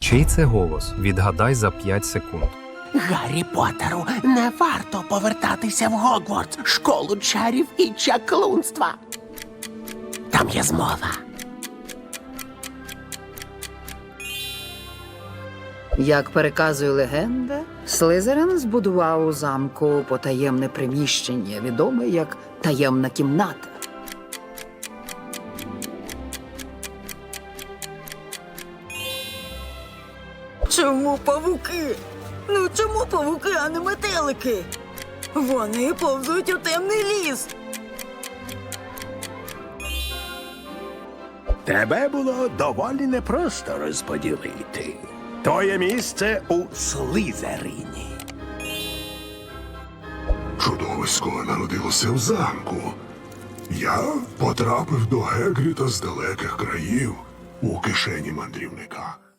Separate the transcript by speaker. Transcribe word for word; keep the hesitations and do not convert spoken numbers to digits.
Speaker 1: Чий це голос? Відгадай за п'ять секунд.
Speaker 2: Гаррі Поттеру не варто повертатися в Гогвартс, школу чарів і чаклунства. Там є змова.
Speaker 3: Як переказує легенда, Слизерин збудував у замку потаємне приміщення, відоме як таємна кімната.
Speaker 4: Чому павуки? Ну чому павуки, а не метелики? Вони повзуть у темний ліс.
Speaker 5: Тебе було доволі непросто розподілити. Твоє місце у Слизерині.
Speaker 6: Чудовисько народилося в замку. Я потрапив до Гегріта з далеких країв у кишені мандрівника.